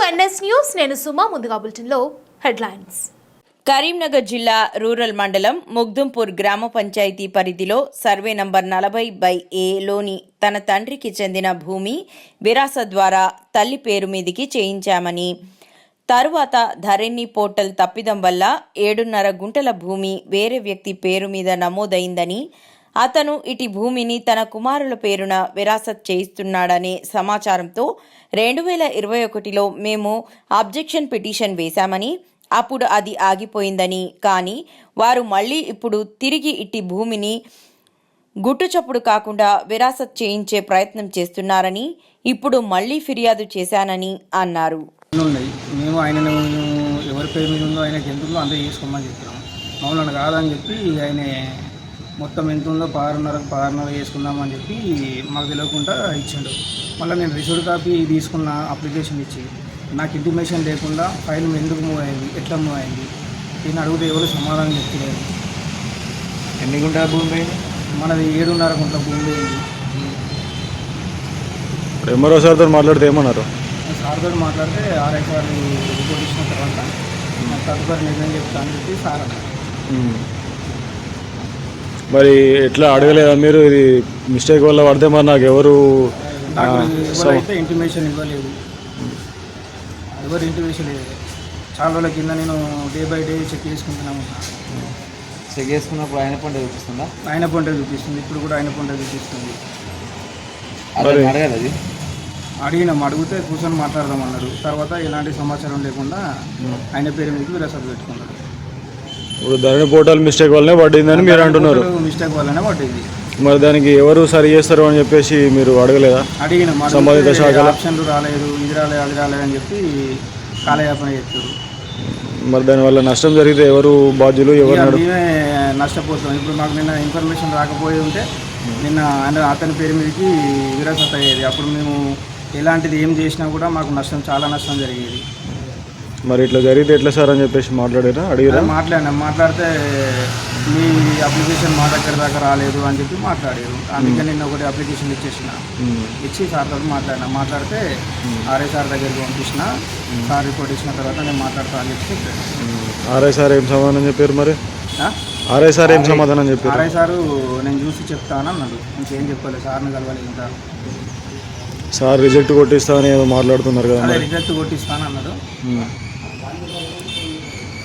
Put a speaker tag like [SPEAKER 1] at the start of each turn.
[SPEAKER 1] NS news. నేను సుమా. ముందుగా బులెటిన్లో హెడ్లైన్స్.
[SPEAKER 2] కరీంనగర్ జిల్లా రూరల్ మండలం ముగ్దుంపూర్ గ్రామ పంచాయతీ పరిధిలో సర్వే నంబర్ 40/A లోని తన తండ్రికి చెందిన భూమి విరాసత్ ద్వారా తల్లి పేరు మీదికి చేయించామని, తరువాత ధరణి పోర్టల్ తప్పిదం వల్ల 7.5 గుంటల భూమి వేరే వ్యక్తి పేరు మీద నమోదైందని, అతను ఇటు భూమిని తన కుమారుల పేరున విరాసత్ చేయిస్తున్నాడనే సమాచారంతో 2021లో మేము అబ్జెక్షన్ పిటిషన్ వేశామని, అప్పుడు అది ఆగిపోయిందని, కానీ వారు మళ్ళీ ఇప్పుడు తిరిగి ఇట్టి భూమిని గుట్టుచప్పుడు కాకుండా విరాసత్ చేయించే ప్రయత్నం చేస్తున్నారని, ఇప్పుడు మళ్ళీ ఫిర్యాదు చేశానని అన్నారు.
[SPEAKER 3] మేము ఆయన ఎవరి పేరు మీద ఉందో ఆయనకి ఎంత ఉందో అంతే చేసుకోమని చెప్పాము. మమ్మల్ని కాదని చెప్పి ఆయన మొత్తం ఎంత ఉందో 6.5 చేసుకుందామని చెప్పి మాకు తెలియకుండా ఇచ్చాడు. మళ్ళీ నేను రిసీవ్డ్ కాపీ తీసుకున్న అప్లికేషన్ ఇచ్చి నాకు ఇంటిమేషన్ లేకుండా ఫైల్ ఎందుకు మూవ్ అయింది, ఎట్లా మూవ్ అయింది, దీన్ని అడిగితే ఎవరు సమాధానం చెప్తలేదు.
[SPEAKER 4] ఎన్ని గుంటల భూమి పోయింది?
[SPEAKER 3] మనది 7.5 గుంటల భూమి పోయింది.
[SPEAKER 4] ఎంఆర్ఓ సార్తో మాట్లాడితే ఏమన్నారు?
[SPEAKER 3] సార్తో మాట్లాడితే ఆర్ఐఆర్ రిపోర్ట్ ఇచ్చిన తర్వాత తదుపరి నిర్ణయం చెప్తా అని చెప్పి సార్ అన్నారు.
[SPEAKER 4] మరి ఎట్లా అడగలేదా మీరు? ఇది మిస్టేక్ వల్ల పడితే మరి నాకు ఎవరైతే
[SPEAKER 3] ఇంటిమేషన్ ఇవ్వలేదు, ఎవరు ఇంటిమేషన్ లేదు. చాలా రోజుల కింద నేను డే బై డే చెక్ చేసుకుంటున్నాము.
[SPEAKER 4] చెక్ చేసుకున్నప్పుడు ఆయన పంట చూపిస్తుందా?
[SPEAKER 3] ఆయన పంట చూపిస్తుంది, ఇప్పుడు కూడా ఆయన పంట చూపిస్తుంది.
[SPEAKER 4] అడగదు, అది
[SPEAKER 3] అడిగినాం. అడిగితే కూర్చొని మాట్లాడదామన్నాడు. తర్వాత ఎలాంటి సమాచారం లేకుండా ఆయన పేరు మీదకి విరాసత్ పెట్టుకున్నాడు.
[SPEAKER 4] ఇప్పుడు ధరణి పోర్టల్ మిస్టేక్ వల్లనే పడిందని మీరు అంటున్నారు.
[SPEAKER 3] మిస్టేక్ వల్లనే పడ్డది.
[SPEAKER 4] మరి దానికి ఎవరు సరి చేస్తారు అని చెప్పేసి మీరు అడగలేదా?
[SPEAKER 3] అడిగినాం.
[SPEAKER 4] సంబంధిత శాఖల
[SPEAKER 3] ఆప్షన్లు రాలేదు, ఇది రాలేదు, అది రాలేదని చెప్పి కాలయాపన చేస్తారు.
[SPEAKER 4] మరి దానివల్ల నష్టం జరిగితే ఎవరు బాధ్యులు? ఎవరు
[SPEAKER 3] మేమే నష్టపోతాం. ఇప్పుడు మాకు నిన్న ఇన్ఫర్మేషన్ రాకపోయి ఉంటే నిన్న అతని పేరు మీదకి విరాసత్ అయ్యేది. అప్పుడు మేము ఎలాంటిది ఏం చేసినా కూడా మాకు నష్టం, చాలా నష్టం జరిగేది.
[SPEAKER 4] మరి ఇట్లా జరిగితే ఎట్లా సార్ అని చెప్పేసి మాట్లాడారా? అడిగారా?
[SPEAKER 3] మాట్లాడితే మీ అప్లికేషన్ మా దగ్గర దాకా రాలేదు అని చెప్పి మాట్లాడారు. అందుకే నిన్న ఒకటి అప్లికేషన్ ఇచ్చి సార్తో మాట్లాడితే ఆర్ఐ సార్ దగ్గరికి పంపించిన. సార్ రిపోర్ట్ ఇచ్చిన తర్వాత నేను మాట్లాడతా అని చెప్పి చెప్పాను.
[SPEAKER 4] ఆర్ఐ సార్ ఏం సమాధానం చెప్పారు? మరి ఆర్ఐ సార్ ఏం సమాధానం చెప్పారు?
[SPEAKER 3] ఆర్ఐ సారు నేను చూసి చెప్తాను అన్నాడు. ఇంకేం చెప్పలేదు. సార్ని కలవాలి. ఇంకా
[SPEAKER 4] సార్ రిజెక్ట్ కొట్టిస్తా అని ఏదో మాట్లాడుతున్నారు కదా?
[SPEAKER 3] రిజెక్ట్ కొట్టిస్తాను అన్నాడు.